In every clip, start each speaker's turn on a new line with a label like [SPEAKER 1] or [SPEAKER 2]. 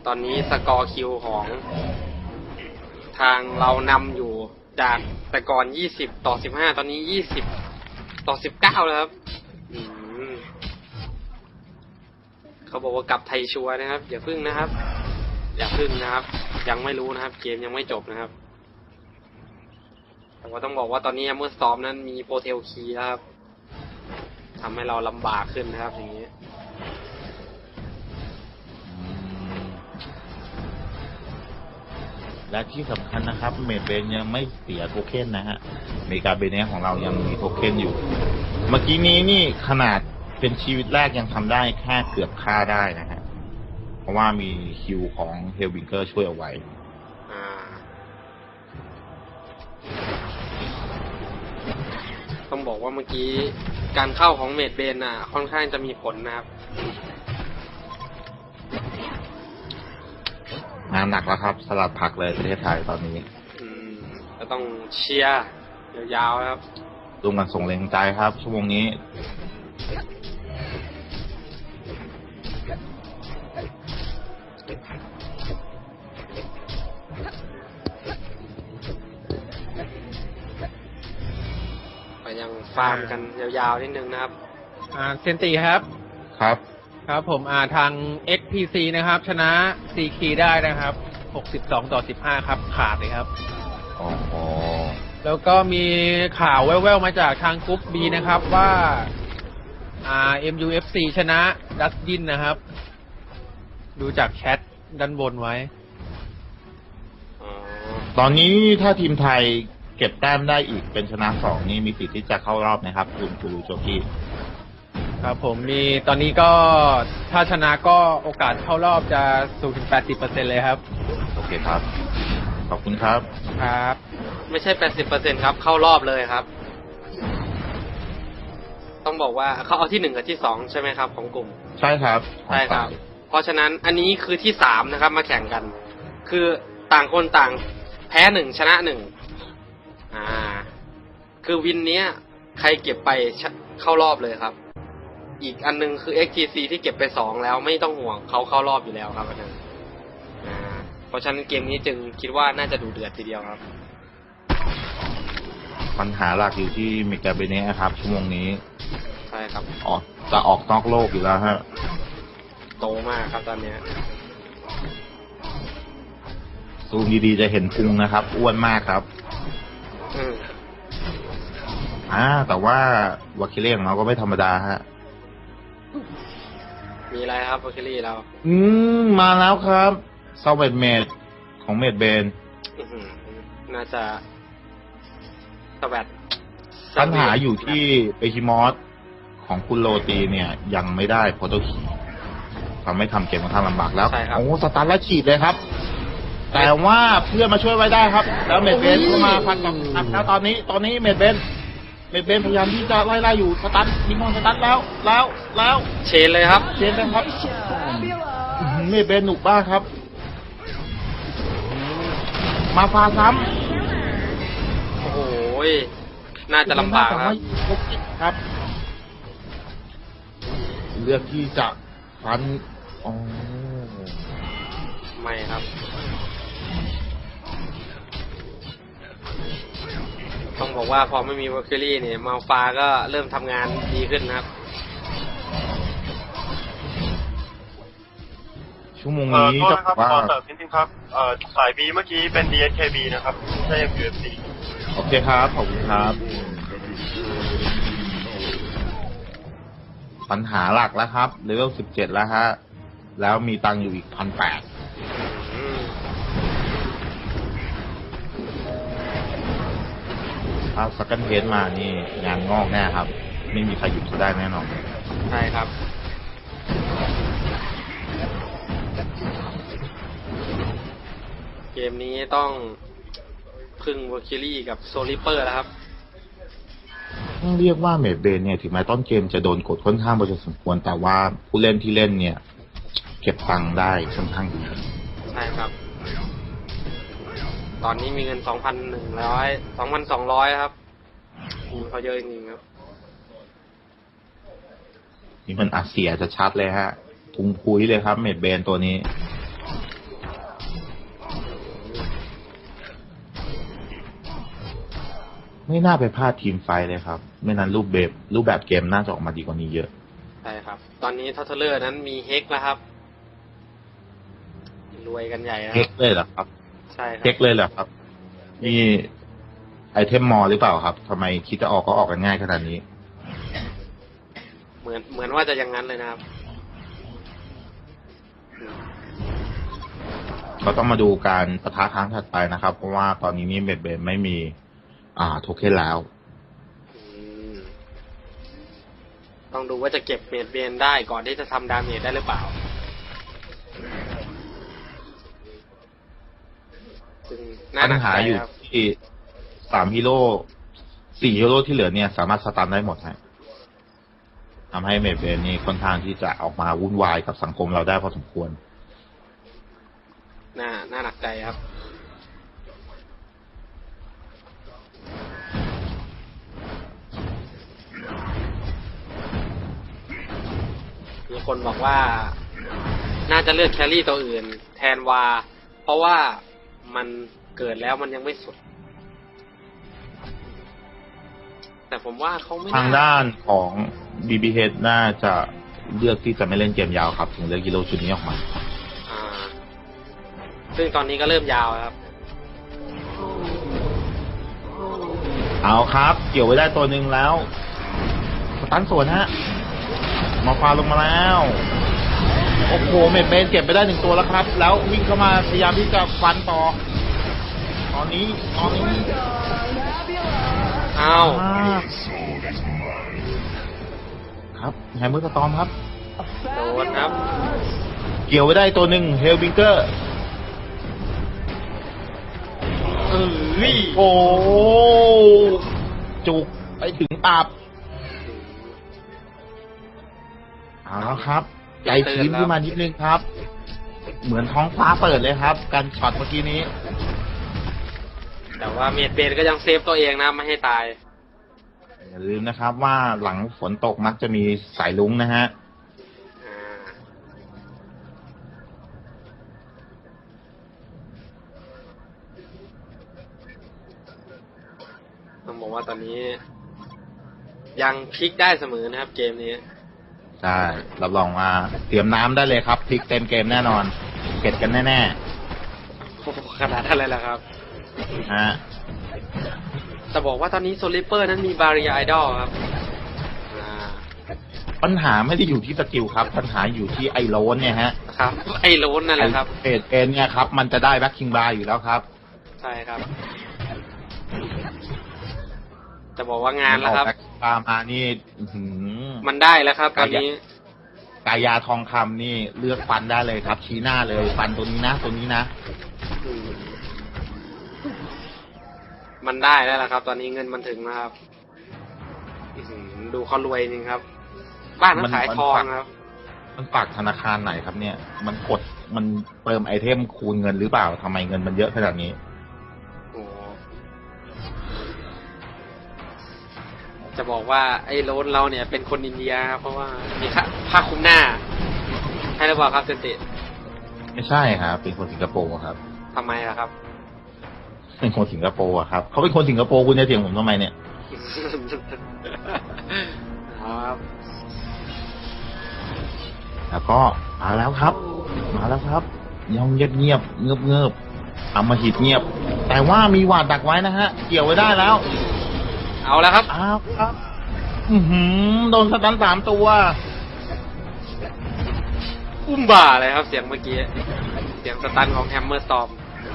[SPEAKER 1] ตอนนี้สกอร์คิวของทางเรานำอยู่จากแต่ก่อน20-15ตอนนี้20-19แล้วครับเขาบอกว่ากลับไทยชัวร์นะครับอย่าพึ่งนะครับยังไม่รู้นะครับเกมยังไม่จบนะครับแต่ว่าต้องบอกว่าตอนนี้เมื่อซ้อมนั้นมีโปรเทลคีย์นะครับทำให้เราลำบากขึ้นนะครับอย่างนี้
[SPEAKER 2] และที่สำคัญนะครับเมดเบนยังไม่เสียโทเค็นนะฮะเมกาเบเนของเรายังมีโทเค็นอยู่เมื่อกี้นี้นี่ขนาดเป็นชีวิตแรกยังทำได้แค่เกือบฆ่าได้นะฮะเพราะว่ามีคิวของเฮลวิงเกอร์ช่วยเอาไว้
[SPEAKER 1] ต้องบอกว่าเมื่อกี้การเข้าของเมดเบนค่อนข้างจะมีผลนะครับ
[SPEAKER 2] งานหนักแล้วครับสลัดผักเลยประเทศไทยตอนนี้
[SPEAKER 1] ก็ต้องเชียร์ยาวๆครับ
[SPEAKER 2] ร่วมกันส่งแรงใจครับชั่วโมงนี้
[SPEAKER 1] ไปยังฟาร์มกันยาวๆนิดนึงนะครับ
[SPEAKER 3] เซนตีครับ
[SPEAKER 2] ครับ
[SPEAKER 3] ผมทาง XPC นะครับชนะ CK ได้นะครับ62-15ครับขาดเลยครับ
[SPEAKER 2] อ๋อ
[SPEAKER 3] แล้วก็มีข่าวแว่วๆมาจากทางกรุ๊ป B นะครับว่าMUFC ชนะดัสยินนะครับดูจากแชทด้านบนไว้
[SPEAKER 2] ตอนนี้ถ้าทีมไทยเก็บแต้มได้อีกเป็นชนะ2นี่มีสิทธิ์ที่จะเข้ารอบนะครับคุณกูรูโจกี้
[SPEAKER 3] ครับผมมีตอนนี้ก็ถ้าชนะก็โอกาสเข้ารอบจะสูงถึง 80% เลยครับ
[SPEAKER 2] โอเคครับขอบคุณครับ
[SPEAKER 1] ไม่ใช่ 80% ครับเข้ารอบเลยครับต้องบอกว่าเขาเอาที่1กับที่2ใช่ไหมครับของกลุ่ม
[SPEAKER 2] ใช่ครับ
[SPEAKER 1] เพราะฉะนั้นอันนี้คือที่3นะครับมาแข่งกันคือต่างคนต่างแพ้1ชนะ1คือวินเนี้ยใครเก็บไปเข้ารอบเลยครับอีกอันนึงคือ XTC ที่เก็บไป2แล้วไม่ต้องห่วงเขาเข้ารอบอยู่แล้วครับอันนั้นเพราะฉะนั้นเกมนี้จึงคิดว่าน่าจะดูเดือดทีเดียวครับ
[SPEAKER 2] ปัญหาหลักอยู่ที่เมกาเบเนะครับชั่วโมงนี้
[SPEAKER 1] ใช่ครับ
[SPEAKER 2] จะออกนอกโลกอยู่แล้วฮะ
[SPEAKER 1] โตมากครับตอนนี้
[SPEAKER 2] ซูมดีๆจะเห็นพุงนะครับอ้วนมากครับแต่ว่าวาคิเล่ของเราก็ไม่ธรรมดาฮะ
[SPEAKER 1] มีอะไรครับวาคิลี่เรา
[SPEAKER 2] มาแล้วครับซาวเมดของเมดเบน
[SPEAKER 1] น่าจะสวัสด
[SPEAKER 2] ปัญหาอยู่ที่เอชิมอสของคุณโรตีเนี่ยยังไม่ได้โปรโตคีทำให้ทำเกมค่อนข้างลำบากแล้วโอ้สตาร์ทแล้วฉีดเลยครับแต่ว่าเพื่อนมาช่วยไว้ได้ครับแล้วเมดเบนเข้ามาพันกับแล้วตอนนี้เมดเบนพยายามที่จะไล่อยู่สตันยิงมอนสตันแล้ว
[SPEAKER 1] เชนเลยครับ
[SPEAKER 2] เมดเบนหนุกบ้าครับมาฟาซ้
[SPEAKER 1] ำโอ้โหน่าจะลำบาก
[SPEAKER 2] ครับเลือกที่จะฟัน
[SPEAKER 1] ไม่ครับต้องบอกว่าพอไม่มีวอลคิลี่เนี่ยมาฟาก็เริ่มทำงานดีขึ้นนะครับ
[SPEAKER 2] ชั่วโมงนี้จะว่า
[SPEAKER 4] ขอเสริมนิดนึงครับสาย B เมื่อกี้เป็น DSKB นะครับไม่ใช่ MUFC
[SPEAKER 2] โอเคครับขอบคุณครับปัญหาหลักแล้วครับเลเวล17แล้วฮะแล้วมีตังอยู่อีก 1,800ถ้าสักกันเทสมานี่งานงอกแน่ครับไม่มีใครหยุดเขาได้แน่นอน
[SPEAKER 1] ใช่ครับเกมนี้ต้องพึ่งวอลคิลี่กับโซลิเปอร์แล้วครับ
[SPEAKER 2] ต้องเรียกว่าเมดเบนเนี่ยถึงแม้ต้นเกมจะโดนกดค่อนข้างพอสมควรแต่ว่าผู้เล่นที่เล่นเนี่ยเก็บตังค์ได้ค่อนข้างดี
[SPEAKER 1] ใช่ครับตอนนี้มีเงิน 2,200 ครับเขาเยอะจริงๆครับ
[SPEAKER 2] นี่มันอาเซียจะชัดเลยฮะพุงพุ้ยเลยครับเมดเบนตัวนี้ไม่น่าไปพลาดทีมไฟท์เลยครับ ไม่นั้นรูปแบบเกมน่าจะออกมาดีกว่านี้เยอะ
[SPEAKER 1] ใช่ครับ ตอนนี้ทัตเทเลอร์นั้นมีเฮกแล้วครับ รวยกันใหญ่แล้ว
[SPEAKER 2] เช็คเลยเหรอครับ
[SPEAKER 1] ใช่ครับ
[SPEAKER 2] เช็คเลยเหรอครับ นี่ไอเทมมอลหรือเปล่าครับทำไมคิดจะออกก็ออกกันง่ายขนาดนี้
[SPEAKER 1] เหมือนว่าจะอย่างนั้นเลยนะครับ
[SPEAKER 2] ก็ต้องมาดูการปะทะครั้งถัดไปนะครับ เพราะว่าตอนนี้นี่เบ็ดเบนไม่มี โทเค็นแล้ว
[SPEAKER 1] ต้องดูว่าจะเก็บเมดเบนได้ก่อนที่จะทำดาเมจได้หรือเปล่า ซึ่งน่า
[SPEAKER 2] ปั
[SPEAKER 1] หนั
[SPEAKER 2] ญ
[SPEAKER 1] ก
[SPEAKER 2] หา
[SPEAKER 1] ใจ
[SPEAKER 2] อยู่
[SPEAKER 1] ครับ
[SPEAKER 2] ที่3 ฮีโร่ 4 ฮีโร่ที่เหลือเนี่ย สามารถสตันได้หมดฮะทำให้เมดเบนนี่ค่อนข้างที่จะออกมาวุ่นวายกับสังคมเราได้พอสมควร
[SPEAKER 1] น่าหนักใจครับ มีคนบอกว่า น่าจะเลือกแครี่ตัวอื่น แทนวา เพราะว่ามันเกิดแล้วมันยังไม่สุด แต่ผมว่าเขาไม่
[SPEAKER 2] ทางด้านของ BBH น่าจะเลือกที่จะไม่เล่นเกมยาวครับ ถึงเลือกฮีโร่ชุดนี้ออกมา
[SPEAKER 1] อ่า ซึ่งตอนนี้ก็เริ่มยาวแล้วครับ
[SPEAKER 2] เอาครับ เกี่ยวไว้ได้ตัวหนึ่งแล้วสตันสวนฮะมาฟาลงมาแล้ว โอ้โหเมดเบนเก็บไปได้1 ตัวแล้วครับ แล้ววิ่งเข้ามาพยายามที่จะฟันต่อ ตอนนี้
[SPEAKER 1] อ้าว
[SPEAKER 2] ครับแฮมเมอร์สตอมครับ
[SPEAKER 1] โดนครับ
[SPEAKER 2] เกี่ยวไว้ได้ตัวหนึ่งเฮลบิงเกอร์ โอ้จุกไปถึงตับเอาแล้วครับ ใจชื้นขึ้นมานิดนึงครับ เหมือนท้องฟ้าเปิดเลยครับ การช็อตเมื่อกี้นี้
[SPEAKER 1] แต่ว่าเมดเบนก็ยังเซฟตัวเองนะไม่ให้ตาย
[SPEAKER 2] อย่าลืมนะครับว่าหลังฝนตกมักจะมีสายลุ้งนะฮะ
[SPEAKER 1] อ่า ต้องบอกว่าตอนนี้ ยังพลิกได้เสมอนะครับเกมนี้
[SPEAKER 2] ใช่ รับรองว่าเตรียมน้ำได้เลยครับพลิกเต็มเกมแน่นอนเก็ดกันแน่
[SPEAKER 1] โอ้โหขนาดนั้นเลยล่ะครับ
[SPEAKER 2] ๆฮะ
[SPEAKER 1] จะบอกว่าตอนนี้โซลิเปอร์นั้นมีบาริยาไอดอลครับ
[SPEAKER 2] ปัญหาไม่ได้อยู่ที่สกิลครับ ปัญหาอยู่ที่ไอโรนเนี่ยฮะ
[SPEAKER 1] ครับ ไอ้โลนนั่นแหละครับ
[SPEAKER 2] เอ็นเนี่ยครับ มันจะได้แบ็คคิงบาร์อยู่แล้วครับ
[SPEAKER 1] ใช่ครับ จะบอกว่างานแล้วครับ
[SPEAKER 2] แบ็คคิงบาร์มานี่อื้อหือ
[SPEAKER 1] มันได้แล้วครับ ตอนนี้
[SPEAKER 2] กายาทองคำนี่เลือกฟันได้เลยครับ ชี้หน้าเลยฟันตัวนี้นะตัวนี้นะ
[SPEAKER 1] มันได้แล้วล่ะครับ ตอนนี้เงินมันถึงนะครับอื้อหือดูเขารวยจริงครับ บ้านมันขายทองครับ
[SPEAKER 2] มันฝากธนาคารไหนครับเนี่ย มันกดมันเติมไอเทมคูณเงินหรือเปล่าทำไมเงินมันเยอะขนาดนี้
[SPEAKER 1] โอ้โหจะบอกว่าไอ้โลนเราเนี่ยเป็นคนอินเดียครับเพราะว่ามีผ้าคลุมหน้า ให้หรือเปล่าครับเซนติ
[SPEAKER 2] ไม่ใช่ครับเป็นคนสิงคโปร์ครับ
[SPEAKER 1] ทำไมล่ะครับ
[SPEAKER 2] เป็นคนสิงคโปร์อะครับเขาเป็นคนสิงคโปร์คุณจะเถียงผมทำไมเนี่ย
[SPEAKER 1] ครับ
[SPEAKER 2] แล้วก็มาแล้วครับยังเงียบเงือบๆเอามาหิดเงียบ แต่ว่ามีหวาดดักไว้นะฮะ เกี่ยวไว้ได้แล้ว
[SPEAKER 1] เอาแล้วครับ
[SPEAKER 2] อ้าวครับ โดนสตัน3 ตัว
[SPEAKER 1] อุ้มบ่าเลยครับ เสียงเมื่อกี้ เสียงสตันของแฮมเมอร์สตอม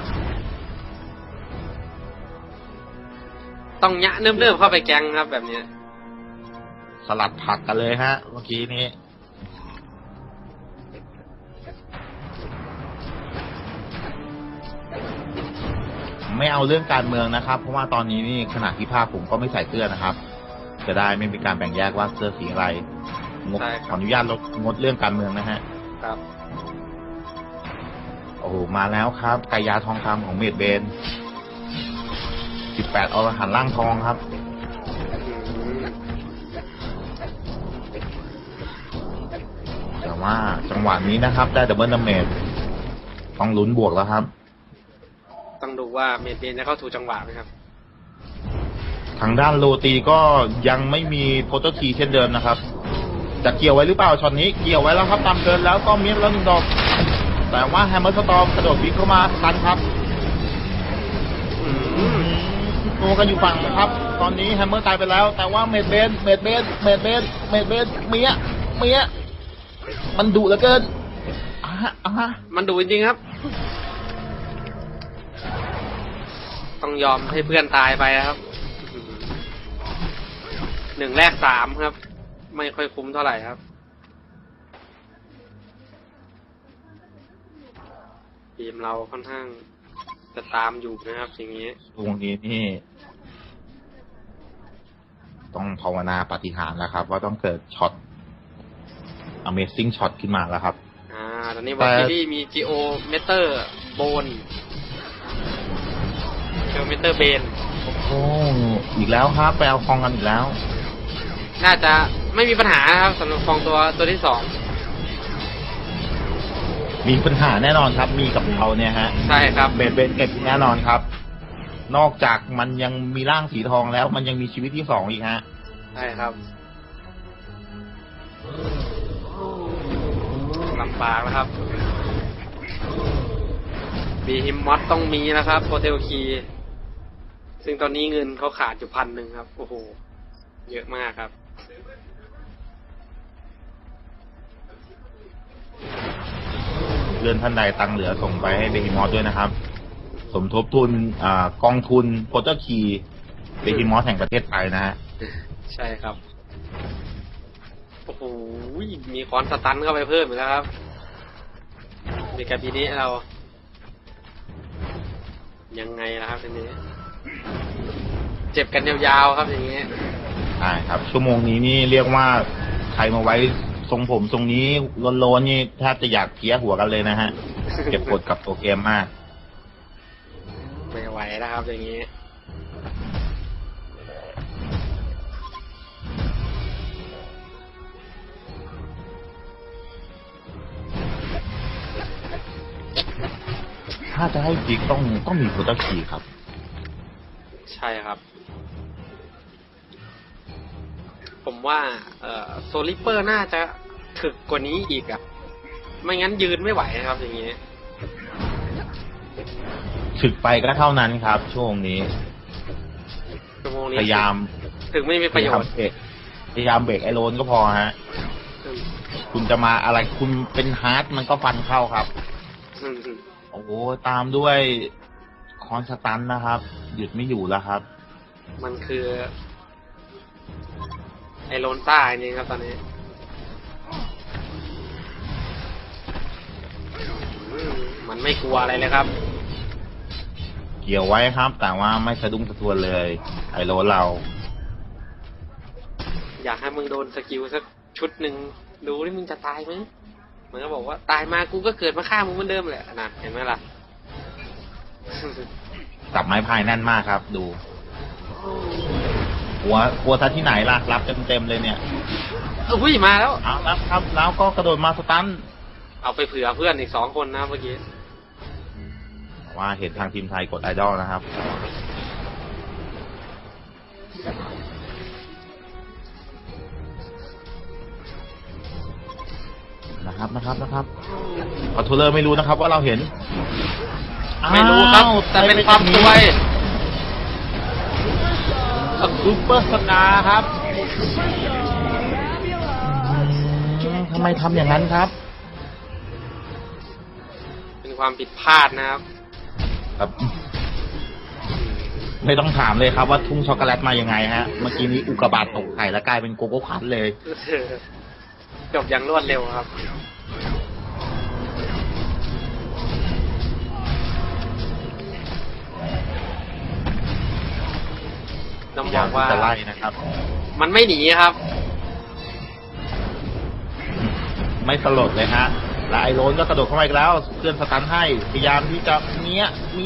[SPEAKER 1] ต้องยะเนิ่มๆเข้าไปแกงครับแบบนี้
[SPEAKER 2] สลัดผักกันเลยฮะ เมื่อกี้นี้ ไม่เอาเรื่องการเมืองนะครับ เพราะว่าตอนนี้นี่ขณะที่ภาคผมก็ไม่ใส่เสื้อนะครับ จะได้ไม่มีการแบ่งแยกว่าเสื้อสีอะไร
[SPEAKER 1] ใช่ครับ
[SPEAKER 2] ขออนุญาตงดเรื่องการเมืองนะฮะ
[SPEAKER 1] ครับ
[SPEAKER 2] โอ้โหมาแล้วครับกายาทองคำของเมดเบน 18 อรหันต์ร่างทองครับ แต่ว่าจังหวะนี้นะครับ ได้ดับเบิลดาเมจต้องลุ้นบวกแล้วครับ
[SPEAKER 1] ต้องดูว่าเมดเบนจะเข้าถูกจังหวะไหมครับ
[SPEAKER 2] ทางด้านโรตีก็ยังไม่มีโพสเตอร์คีเช่นเดิมนะครับจะเกี่ยวไว้หรือเปล่าช็อตนี้เกี่ยวไว้แล้วครับตามเกินแล้วก็เมียแล้ว1 ดอกแต่ว่าแฮมเมอร์สตอร์มกระโดดบิ๊กเข้ามาตันครับตัวกันอยู่ฝั่งนะครับ ตอนนี้แฮมเมอร์ตายไปแล้ว แต่ว่าเมดเบนเมียมันดุเหลือเกิน
[SPEAKER 1] มันดุจริงๆครับ ต้องยอมให้เพื่อนตายไปครับ1 แลก 3ครับไม่ค่อยคุ้มเท่าไหร่ครับทีมเราค่อนข้างจะตามอยู่นะครับอย่างนี้
[SPEAKER 2] ตรงนี้นี่ต้องภาวนาปาฏิหาริย์แล้วครับว่าต้องเกิดช็อต Amazing ช็อตขึ้นมาแล้วครับ
[SPEAKER 1] ตอนนี้วอลคิรี่มีจีโอเมเตอร์โบนเจอเมเตอร์เบน
[SPEAKER 2] โอ้อีกแล้วครับไปเอาคองกันอีกแล้ว
[SPEAKER 1] น่าจะไม่มีปัญหาครับสำหรับคองตัวที่2
[SPEAKER 2] มีปัญหาแน่นอนครับมีกับเราเนี่ยฮะ
[SPEAKER 1] ใช่ครับ
[SPEAKER 2] เบนเก็บแน่นอนครับนอกจากมันยังมีร่างสีทองแล้วมันยังมีชีวิตที่2อีกฮะ
[SPEAKER 1] ใช่ครับลำบากแล้วครับบีฮิมมอสต้องมีนะครับโปรเทลคีซึ่งตอนนี้เงินเขาขาดอยู่1,000ครับโอ้โหเยอะมากครับ
[SPEAKER 2] เลื่อนท่านใดตังเหลือส่งไปให้เบฮิมอสด้วยนะครับสมทบทุนกองทุนโปรเตอร์คีเบฮิมอสแห่งประเทศไทยนะฮะ
[SPEAKER 1] ใช่ครับโอ้โหมีคอนสตันเข้าไปเพิ่มอีกแล้วครับในการปีนี้เรายังไงนะครับทีนี้เจ็บกันยาวๆครับอย่างนี้
[SPEAKER 2] ใช่ครับชั่วโมงนี้นี่เรียกว่าใครมาไว้ทรงผมทรงนี้โลนๆนี่แทบจะอยากเพี้ยหัวกันเลยนะฮะเก็บกดกับตัวเกมมาก
[SPEAKER 1] ไม่ไหวแล้วครับอย่างนี้
[SPEAKER 2] ถ้าจะให้จิกต้องมีโปรเตอร์คีครับ
[SPEAKER 1] ใช่ครับผมว่าโซลิเปอร์น่าจะถึกกว่านี้อีกอ่ะไม่งั้นยืนไม่ไหวครับอย่างนี้
[SPEAKER 2] ถึกไปก็เท่านั้นครับช่วงนี้พยายาม
[SPEAKER 1] ถึงไม่มีประโยชน์
[SPEAKER 2] พยายามเบรกไอโรนก็พอฮะคุณจะมาอะไรคุณเป็นฮาร์ดมันก็ฟันเข้าครับโอ้โหตามด้วยคอนสตันนะครับหยุดไม่อยู่แล้วครับ
[SPEAKER 1] มันคือไอโรนต้าจริงครับตอนนี้มันไม่กลัวอะไรเลยครับ
[SPEAKER 2] เกี่ยวไว้ครับแต่ว่าไม่สะดุ้งสะท้วนเลยไอโรนเรา
[SPEAKER 1] อยากให้มึงโดนสกิลสักชุดหนึ่งดูที่มึงจะตายไหมมันก็บอกว่าตายมากูก็เกิดมาฆ่ามึงเหมือนเดิมแหละนะเห็นไหมล่ะ
[SPEAKER 2] จับไม้พายแน่นมากครับดูหัวทัดที่ไหนล่ะรับเต็มเลยเนี่ย
[SPEAKER 1] อุ้ยมาแล้ว
[SPEAKER 2] เอารับครับแล้วก็กระโดดมาสตัน
[SPEAKER 1] เอาไปเผื่อเพื่อนอีก2 คนนะเมื่อกี้
[SPEAKER 2] ว่าเห็นทางทีมไทยกดไอดอลนะครับนะครับคอนโทรลเลอร์ไม่รู้นะครับว่าเราเห็น
[SPEAKER 1] ไม่รู้ครับแต่เป็นความสวย
[SPEAKER 2] ซูเปอร์สตาร์ครับทำไมทำอย่างนั้นครับ
[SPEAKER 1] เป็นความผิดพลาดนะครับ
[SPEAKER 2] ไม่ต้องถามเลยครับว่าทุ่งช็อกโกแลตมายังไงฮะเมื่อกี้นี้อุกกาบาตตกไข่แล้วกลายเป็นโกโก้คันเลย
[SPEAKER 1] จบอย่างรวดเร็วครับต้องบอกว่า
[SPEAKER 2] จะไล่นะครับ
[SPEAKER 1] มันไม่หนีครับ
[SPEAKER 2] ไม่สลดเลยฮะและไอโรนก็กระโดดเข้ามาอีกแล้วเพื่อนสตันให้พยายามที่จะเมีย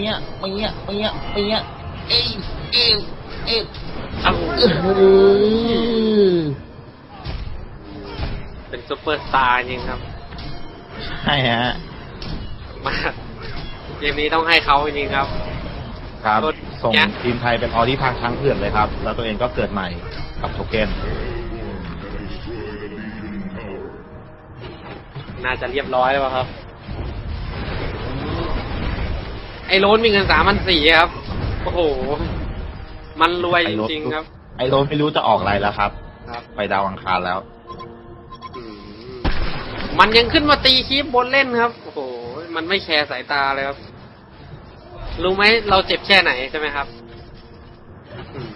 [SPEAKER 1] เป็นซุปเปอร์สตาร์จริงครับ
[SPEAKER 2] ใช่ฮะ
[SPEAKER 1] มาเกมนี้ต้องให้เขาจริงครับ
[SPEAKER 2] ครับส่ง
[SPEAKER 1] แกะ
[SPEAKER 2] ทีมไทยเป็นออดี้ทางช้างเผือกเลยครับ แล้วตัวเองก็เกิดใหม่กับโทเก้น
[SPEAKER 1] น่าจะเรียบร้อยแล้วครับ ไอ้โรนมีเงิน3,400ครับ โอ้โห มันรวยจริงๆครับ
[SPEAKER 2] ไอโรนไม่รู้จะออกอะไรแล้วครับ
[SPEAKER 1] ครับ
[SPEAKER 2] ไปดาวอังคารแล้ว
[SPEAKER 1] อืมมันยังขึ้นมาตีคีบบนเล่นครับ โอ้โห มันไม่แคร์สายตาเลยครับ รู้ไหมเราเจ็บแค่ไหนใช่ไหมครับอืม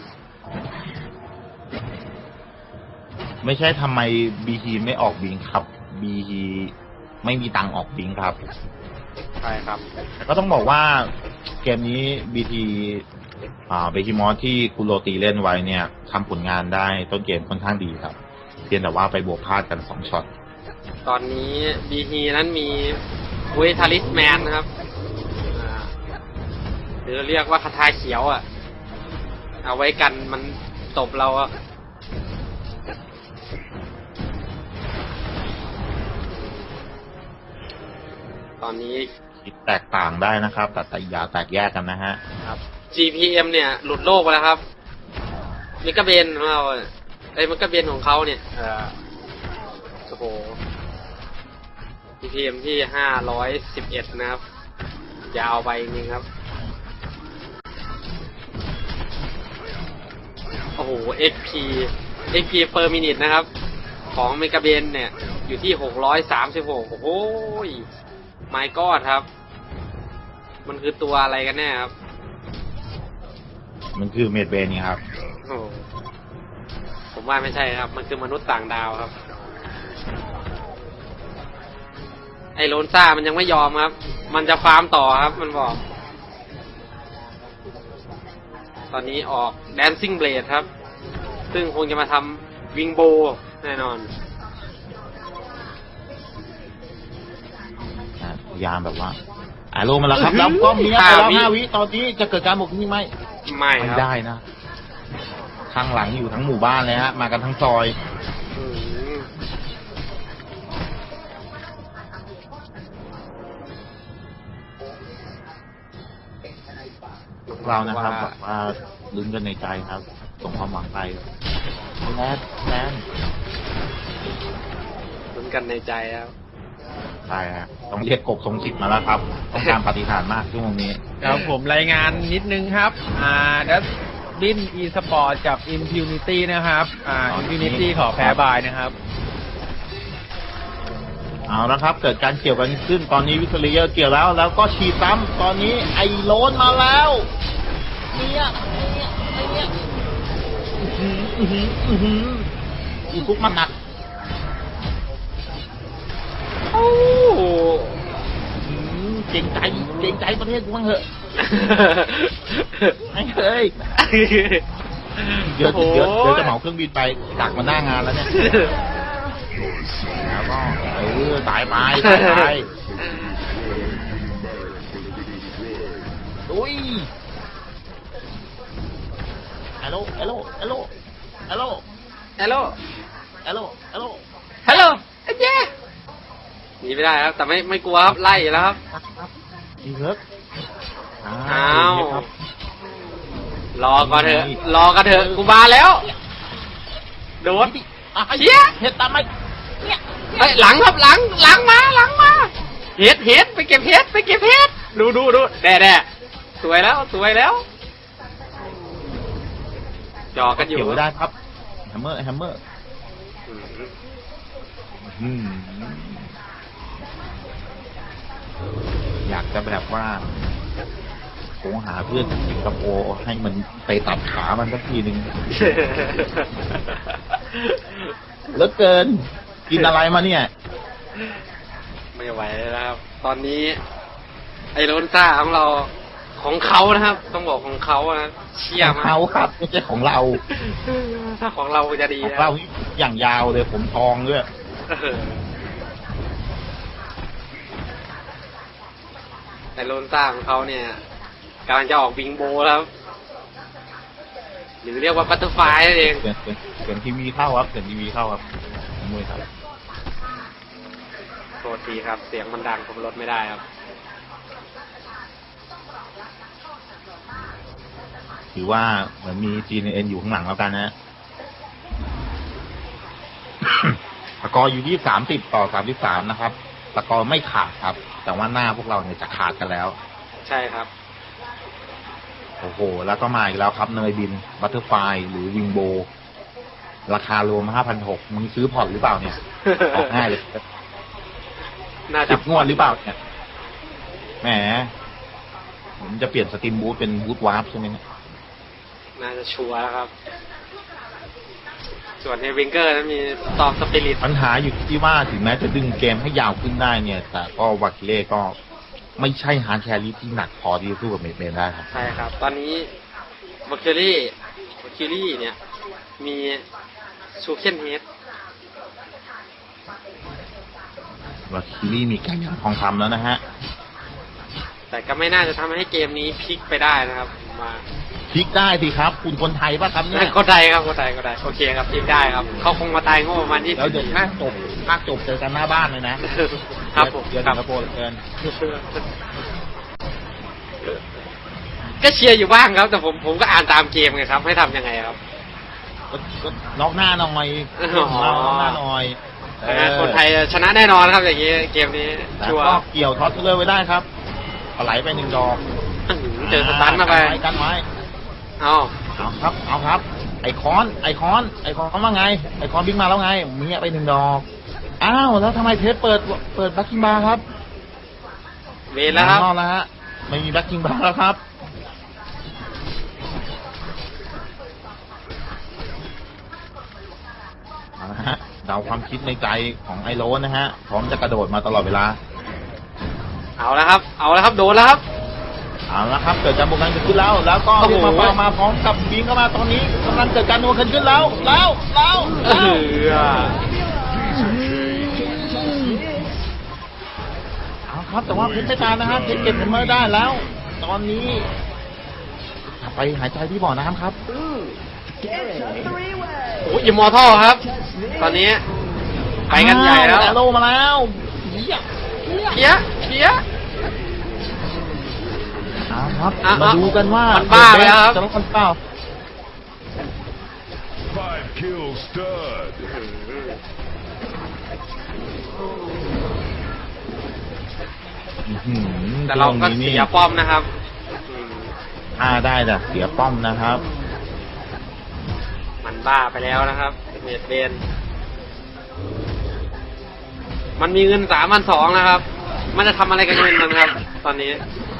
[SPEAKER 2] ไม่ใช่ทำไมบีทีไม่ออกบิงครับบีทีไม่มีตังค์ออกบิงครับ
[SPEAKER 1] ใช่ครับ
[SPEAKER 2] แต่ก็ต้องบอกว่าเกมนี้บีทีเบคิมอสที่คุณโรตีเล่นไว้เนี่ยทำผลงานได้ต้นเกมค่อนข้างดีครับ เพียงแต่ว่าไปบวกพลาดกัน2ช็อต
[SPEAKER 1] ตอนนี้บีทีนั้นมีเวทาลิสแมนนะครับหรือเรียกว่าคาถาเขียวอ่ะ เอาไว้กันมันตบเราอะตอนนี้
[SPEAKER 2] คิดแตกต่างได้นะครับ แต่อย่าแตกแยกกันนะฮะ
[SPEAKER 1] ครับ GPM เนี่ย หลุดโลกไปแล้วครับมิกาเบนของเราไอ้มิกาเบนของเขาเนี่ยโอ้โห GPM ที่511นะครับ ยาวไปจริงๆครับ โอ้โห XP per minute นะครับ ของเมกาเบนเนี่ย อยู่ที่636โอ้โหmy god ครับ มันคือตัวอะไรกันแน่ครับ
[SPEAKER 2] มันคือเมดเบนนี่ครับ
[SPEAKER 1] โอ้โหผมว่าไม่ใช่ครับ มันคือมนุษย์ต่างดาวครับ ไอโลนซ่ามันยังไม่ยอมครับ มันจะฟาร์มต่อครับ มันบอก ตอนนี้ออก Dancing Blade ครับ ซึ่งคงจะมาทำวิงโบแน่นอน
[SPEAKER 2] พยายามแบบว่าโลมาแล้วครับ แล้วก็มีไปแล้ว5 วิตอนนี้จะเกิดการบวกนี้ไหม
[SPEAKER 1] ไม่
[SPEAKER 2] ไม่
[SPEAKER 1] ครับ
[SPEAKER 2] ได้นะ ข้างหลังอยู่ทั้งหมู่บ้านเลยฮะ มากันทั้งซอย
[SPEAKER 1] อืม
[SPEAKER 2] เรานะครับแบบว่าลุ้นกันในใจครับ ส่งความหวังไปแลนด์
[SPEAKER 1] ลุ้นกันในใจครับ
[SPEAKER 2] ใช่ฮะต้องเรียกกบทรงสิทธิ์มาแล้วครับ ต้องการปฏิหารย์มากช่วงนี้
[SPEAKER 3] ครับผมรายงานนิดนึงครับดัสบินอีสปอร์ตกับ Impunity นะครับ Impunity ขอแพ้บายนะครับ
[SPEAKER 2] เอาละครับ เกิดการเกี่ยวกันขึ้นตอนนี้วิกตอเรียเกี่ยวแล้วก็ฉีดซ้ำตอนนี้ไอโลนมาแล้วเนี่ยอีกุ๊กมันหนัก
[SPEAKER 1] โอ้โห
[SPEAKER 2] เก่งใจประเทศกูบ้างเหอะไม่เคยเดี๋ยวจะเหมาเครื่องบินไปดักมาหน้างานแล้วเนี่ยแล้วก็ตายไปอุ้ยฮัลโหลฮัลโหลฮัลโหลฮัลโหล
[SPEAKER 1] ฮัลโหล
[SPEAKER 2] ฮัลโหลฮัลโหล
[SPEAKER 1] ฮัลโหลไอ้เจ๊หนีไม่ได้ครับ แต่ไม่กลัวครับ ไล่แล้วครับ
[SPEAKER 2] อีเลิก
[SPEAKER 1] อ้าว รอก่อนเถอะ กูมาแล้ว โดนเชี่ย
[SPEAKER 2] เฮ็ดตามไหม
[SPEAKER 1] เฮ้ยหลังครับหลังมาเฮ็ดไปเก็บเฮ็ดดูแด่สวยแล้วจอกันอยู่
[SPEAKER 2] เกี่ยวได้ครับแฮมเมอร์อยากจะแบบว่าโหหาเพื่อนจากสิงคโปร์ให้มันไปตัดขามันสักทีหนึ่งแล้วเกินกินอะไรมาเนี่ย
[SPEAKER 1] ไม่ไหวแล้วครับ ตอนนี้ ไอโรนซ่าของเราของเขานะครับ ต้องบอกของเขานะเชี่ย
[SPEAKER 2] ของ
[SPEAKER 1] มาก
[SPEAKER 2] เขาครับไม่ใช่ของเรา
[SPEAKER 1] ถ้าของเราจะดี
[SPEAKER 2] ของ
[SPEAKER 1] นะ
[SPEAKER 2] เราอย่างยาวเลยผมทองด้วย
[SPEAKER 1] ไอโรนซ่าของเขาเนี่ยกำลังจะออกวิงโบแล้วครับหรือเรียกว่าบัตเตอร์ไฟนั่นเอง
[SPEAKER 2] เสียงทีวีเข้าครับมวยครับ
[SPEAKER 1] โทษทีครับ เสียงมันดังผมลดไม่ได้ครับ
[SPEAKER 2] ถือว่าเหมือนมี GNN อยู่ข้างหลังแล้วกันนะ สกอร์อยู่ที่30-33นะครับสกอร์ไม่ขาดครับ แต่ว่าหน้าพวกเราเนี่ยจะขาดกันแล้ว
[SPEAKER 1] ใช่ครับ
[SPEAKER 2] โอ้โห แล้วก็มาอีกแล้วครับเนยบินบัตเตอร์ไฟหรือวิงโบ ราคารวม 5,600 มึงซื้อพอร์ตหรือเปล่าเนี่ย ออกง่ายเลย
[SPEAKER 1] น่าจะ
[SPEAKER 2] 10 งวดหรือเปล่าเนี่ย แหม ผมจะเปลี่ยนสตรีมบูทเป็นบูทวาร์ปใช่ไหมเนี่ย
[SPEAKER 1] น่าจะชัวร์แล้วครับ ส่วนเฮวิงเกอร์นั้นมีตอมสปิริต
[SPEAKER 2] ปัญหาอยู่ที่ว่าถึงแม้จะดึงเกมให้ยาวขึ้นได้เนี่ย แต่ก็วาคิเล่ก็ไม่ใช่ฮาร์ดแครี่ที่หนักพอที่จะสู้กับเมดเบนได้ครับ
[SPEAKER 1] ใช่ครับ ตอนนี้วาคิรี่เนี่ย มีชูเคนเฮด
[SPEAKER 2] วาคิลี่มีการยังทองคำแล้วนะฮะ
[SPEAKER 1] แต่ก็ไม่น่าจะทำให้เกมนี้พลิกไปได้นะครับ มา
[SPEAKER 2] พลิกได้สิครับ คุณคนไทยป่ะครับเนี่ย
[SPEAKER 1] ก็ได้ครับก็ได้โอเคครับพลิกได้ครับ เขาคงมาตายโง่ประมาณ20
[SPEAKER 2] แล้วเดี๋ยวภาคจบเจอกันหน้าบ้านเลยนะครับ
[SPEAKER 1] ผม
[SPEAKER 2] เดี๋ยว
[SPEAKER 1] ครั
[SPEAKER 2] สิงคโปร์เหลือเกิน
[SPEAKER 1] ก็เชียร์อยู่บ้างครับ แต่ผมก็อ่านตามเกมไงครับ ให้ทำยังไงครับ
[SPEAKER 2] ก็น็อกหน้าหน่อย
[SPEAKER 1] อ๋อ
[SPEAKER 2] น็อกหน้าหน่อย
[SPEAKER 1] คนไทยชนะแน่นอนครับอย่างนี้เกมนี้
[SPEAKER 2] แล้ว
[SPEAKER 1] ชัวร์
[SPEAKER 2] ก็เกี่ยวท็อตเลอร์ไว้ได้ครับเอาไหลไป1 ดอก
[SPEAKER 1] เจอสตันมาไป
[SPEAKER 2] กันไว้
[SPEAKER 1] เอา
[SPEAKER 2] เอาครับ ไอคอนว่าไง ไอคอนบิ๊กมาแล้วไงมีไป1 ดอก อ้าว แล้วทำไมเทสเปิดแบ็คกิ้งบาร์ครับ
[SPEAKER 1] เวรแล้วครับ
[SPEAKER 2] นอกแล้วฮะ ไม่มีแบ็คกิ้งบาร์แล้วครับ เอาละฮะเดาความคิดในใจของไอโรสนะฮะ พร้อมจะกระโดดมาตลอดเวลา
[SPEAKER 1] เอาแล้วครับ โดนแล้วครับ
[SPEAKER 2] เอาละครับ เกิดการบวกกันเกิดขึ้นแล้ว แล้วก็
[SPEAKER 1] โอ้โห
[SPEAKER 2] เรียกมาพร้อมกับบิงเข้ามาตอนนี้กำลังเกิดการบวกกันขึ้นแล้วเอาครับ แต่ว่าเพชรไม่ตายนะฮะเพชรเก็บเมอร์ได้แล้ว ตอนนี้ไปหายใจที่บ่อน้ำครับ
[SPEAKER 1] โอ้ยอิมมอร์ทัลครับ ตอนนี้ไปกันใหญ่แล้ว
[SPEAKER 2] โลมาแล้วเหี้ย
[SPEAKER 1] เพี้ย
[SPEAKER 2] เอาครับ
[SPEAKER 1] อ่ะ
[SPEAKER 2] มาดูกันว่า
[SPEAKER 1] มันบ้าไปแล้วครับ
[SPEAKER 2] จะลดคนเปล่า
[SPEAKER 5] 5 kills stud.
[SPEAKER 1] แต่เราก็เสียป้อมนะครับ
[SPEAKER 2] ได้แต่เสียป้อมนะครับ
[SPEAKER 1] มันบ้าไปแล้วนะครับเมดเบนมันมีเงิน3,200นะครับ มันจะทำอะไรกับเงินมันครับ ตอนนี้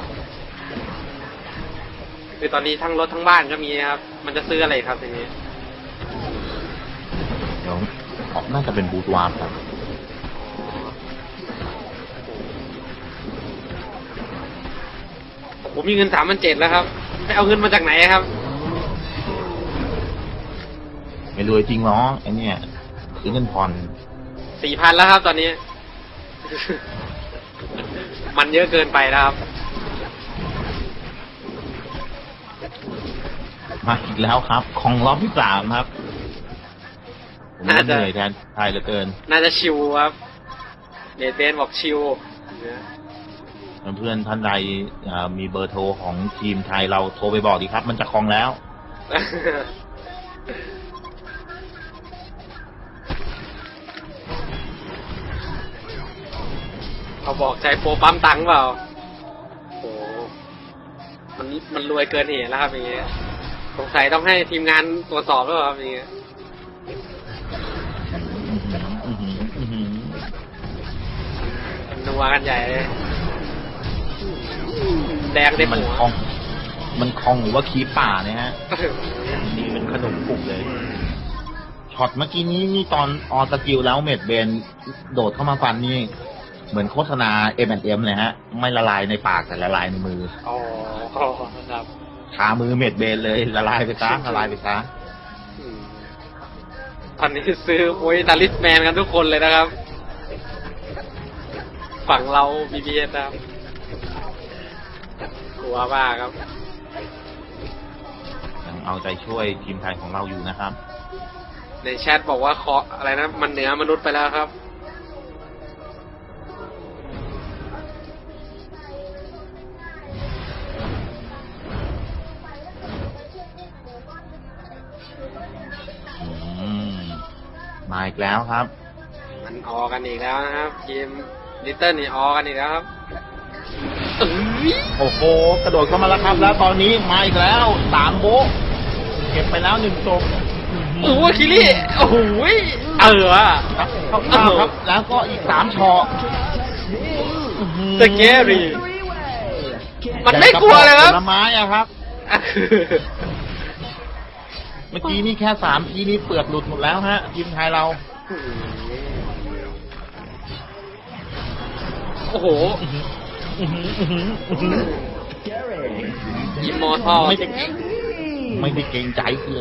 [SPEAKER 1] คือตอนนี้ทั้งรถทั้งบ้านก็มีครับ มันจะซื้ออะไรครับทีนี้
[SPEAKER 2] เดี๋ยวน่าจะเป็นบูทวาร์ปครับ
[SPEAKER 1] ผมมีเงิน3,700แล้วครับไปเอาเงินมาจากไหนครับ
[SPEAKER 2] ไม่รวยจริงเนาะไอ้เนี่ยซื้อเงินผ่อน
[SPEAKER 1] 4,000แล้วครับ ตอนนี้ มันเยอะเกินไปแล้วครับ
[SPEAKER 2] มาอีกแล้วครับ ของรอบที่3ครับผม
[SPEAKER 1] น่าจะ
[SPEAKER 2] เหนื่อยแทนไทยเหลือเกิน
[SPEAKER 1] น่าจะชิวครับเมดเบนบอกชิว
[SPEAKER 2] เพื่อนท่านใดมีเบอร์โทรของทีมไทยเราโทรไปบอกดีครับ มันจะคลองแล้ว
[SPEAKER 1] เขาบอกใจโปรปั๊มตังค์เปล่าโอ้มันรวยเกินเหตุแล้วครับอย่างเงี้ยสงสัยต้องให้ทีมงานตรวจสอบแล้วครับอย่างเงี้ยนัวกันใหญ่เลยแดงเต็ม
[SPEAKER 2] มัน
[SPEAKER 1] หัว
[SPEAKER 2] คลอง หรือว่าคีป่าเนี่ยฮะ นี่เป็นขนมปุกเลย ช็อตเมื่อกี้นี้นี่ตอนออสกิลแล้วเมดเบนโดดเข้ามาฟันนี่ เหมือนโฆษณา M&M เลยฮะ ไม่ละลายในปากแต่ละลายในมือ
[SPEAKER 1] อ๋อครับ
[SPEAKER 2] ชามือเมดเบนเลยละลายไปซะละลายไปซะ
[SPEAKER 1] ตอนนี้ซื้อโอ้ยตาลิสแมนกันทุกคนเลยนะครับ ฝั่งเรา BBS นะครับกลัวบ้าครับ
[SPEAKER 2] ยังเอาใจช่วยทีมไทยของเราอยู่นะครับ
[SPEAKER 1] ในแชทบอกว่าเคาะอะไรนะ มันเหนือมนุษย์ไปแล้วครับ
[SPEAKER 2] อีกแล้วครับ
[SPEAKER 1] มันออกันอีกแล้วนะครับทีมลิตเติ้ลนี่ออกันอีกแล้วครับเอ้ย
[SPEAKER 2] โอ้โหกระโดดเข้ามาแล้วครับ แล้วตอนนี้มาอีกแล้ว3โบ๊ะเก็บไปแล้ว1ศพ
[SPEAKER 1] โอ้โหคิริโอ้โหเออ
[SPEAKER 2] ครับเข้าครับ แล้วก็อีก3ช็อต
[SPEAKER 1] สเกรี่มันไม่กลัวเลยครับ
[SPEAKER 2] ผลไม้อะครับ เมื่อกี้นี่แค่3ทีนี่เปลือกหลุดหมดแล้วฮะทีมไทยเรา
[SPEAKER 1] โอ้โหอิมมอร์ทัล
[SPEAKER 2] ไม่ได้เกรงใจเลย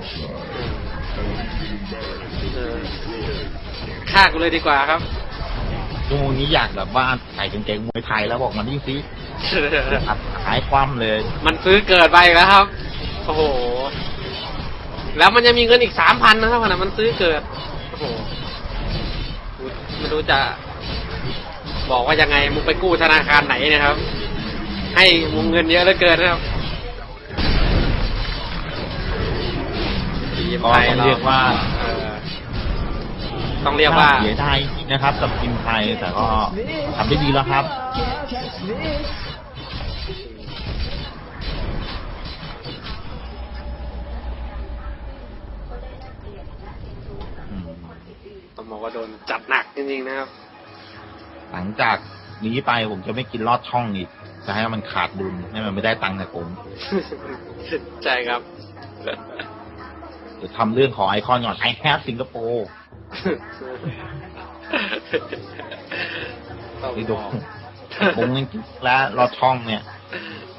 [SPEAKER 1] ฆ่ากูเลยดีกว่าครับ
[SPEAKER 2] ช่วงนี้อยากแบบว่าใส่กางเกงมวยไทยแล้วบอกมันนี่สิอัดหายคว่ำเลย
[SPEAKER 1] มันซื้อเกิดไปอีกแล้วครับ โอ้โห แล้วมันยังมีเงินอีก3,000นะครับขณะมันซื้อเกิด โอ้โหไม่รู้จะบอกว่ายังไงมึงไปกู้ธนาคารไหนเนะครับ ให้มึงเงินเยอะเหลือเกินนะครับทีม
[SPEAKER 2] ก็
[SPEAKER 1] ไทย
[SPEAKER 2] ต้องเรียกว่า
[SPEAKER 1] ต้องเรียกว่า
[SPEAKER 2] เสียดายจริงนะครับกับทีมไทยแต่ก็ทำได้ดีแล้วครับอืม
[SPEAKER 1] ต้องบอกว่าโดนจัดหนักจริงๆนะครับ
[SPEAKER 2] หลังจากนี้ไปผมจะไม่กินลอดช่องอีกจะให้มันขาดดุลให้มันไม่ได้ตังค์จากผม
[SPEAKER 1] ใช่ครับ
[SPEAKER 2] เดี๋ยวทำเรื่องขอไอคอนก่อน I have สิงคโปร์
[SPEAKER 1] ต้อง
[SPEAKER 2] ไป
[SPEAKER 1] บ
[SPEAKER 2] ดู
[SPEAKER 1] อก
[SPEAKER 2] ผมยังกินแล้วลอดช่องเนี่ย